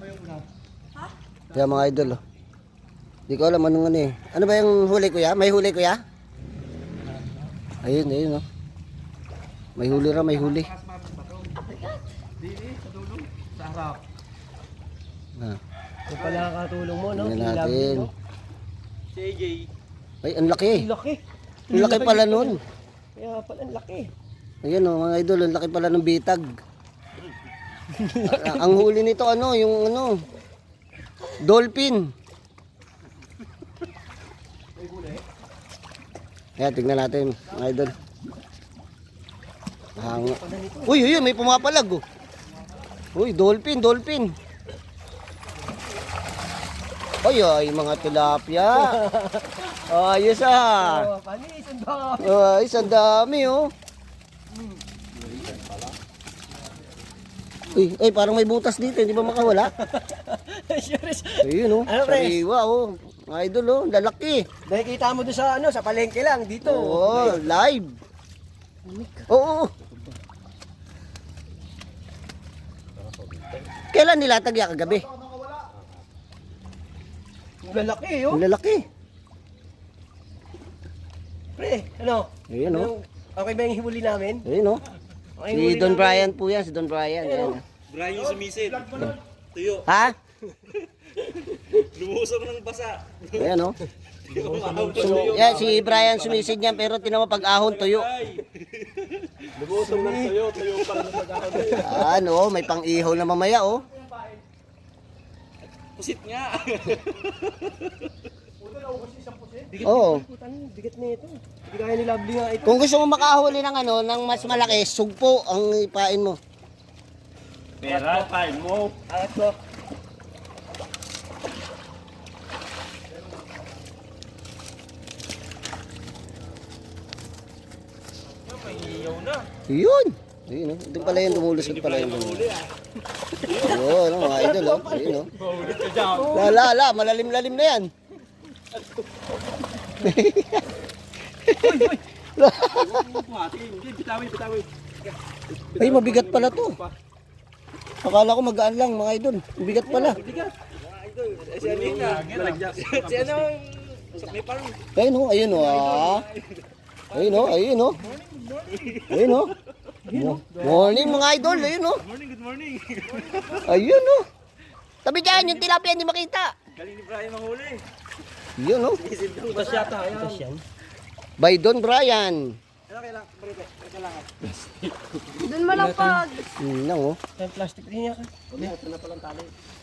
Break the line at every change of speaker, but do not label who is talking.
Kaya mga idol, oh. Di ko alam anong ano eh. Ano ba yung huli kuya? May huli kuya? Ayun, ayun oh. May huli ra, may huli.
Dili, sa dulo, sa harap.
Ah,
Ito pala ang katulong mo, no?
tingnan natin.
Si AJ.
Ay, ang laki.
Ang laki.
Ang laki pala nun.
Kaya pala ang laki.
Ayan oh, mga idol, ang laki pala ng bitag. Ang huli nito ano, yung ano, dolphin. Ayan, tignan natin mga idol. Uy, uy, may pumapalag oh. Uy, dolphin, dolphin. Ay, ay, mga tilapia. Ayos ah.
Oh, panis, ang dami.
Ay, ang dami oh. Uy, ay, parang may butas dito, hindi ba makawala?
Serious.
Ayun oh,
Ano, Pres?
sariwa oh. Mga idol oh, lalaki.
Nakikita mo doon sa ano, sa palengke lang dito.
Oo, live. Oo. Kailan nilatag yan kagabi?
Ang lalaki, oh.
Ang lalaki.
Pre, ano?
Ayun oh.
Okay ba yung huli namin?
Ayun oh.
Okay, yung huli
Si Don
namin.
Brian po yan, si Don Brian. Ayan.
Brian yung sumisid. Tuyo.
Ha?
Lumusok ng basa.
Ayan oh.
Tuyo.
Yan, si Brian sumisid niyan pero tinawa pag ahon tuyo.
Lumusok ng tuyo. Tuyo pa rin mag-ahon.
Ano, may pang-ihaw na mamaya oh.
Pusit nga.
Oo.
Bigat na ito. Hindi kaya ni Lovely nga ito.
Kung gusto mo makahuli ng ano, ng mas malaki, sugpo ang ipain mo.
Pera, time mo.
Angat ko.
May iyaw na.
Yun. Ayun oh. Doon pala yun, dumulusot pala yun. Ayun, oh, mga idol oh. Ayun oh.
Mahulit ka dyan.
Lala, malalim-lalim na yan.
Hindi, bitawin, bitawin.
Ay, mabigat pala to. Akala ko magaan lang, mga idol. Mabigat pala.
Si ano yun nga. Si ano, may parang.
Ayun oh, ayun oh. Ah. Ayun oh, ayun oh. Ayun oh. Morning mga idol, ayun oh.
Morning, good morning.
Ayun oh. Tabi dyan, yung tilapia hindi makita.
Galing ni Brian manghuli.
Yun oh.
Itas yata. Itas yan.
By Don Brian.
Ano kailangan? Kailangan.
Doon malapag.
Yun lang oh.
Yung plastic rin niya ka.
Ito na palang tali.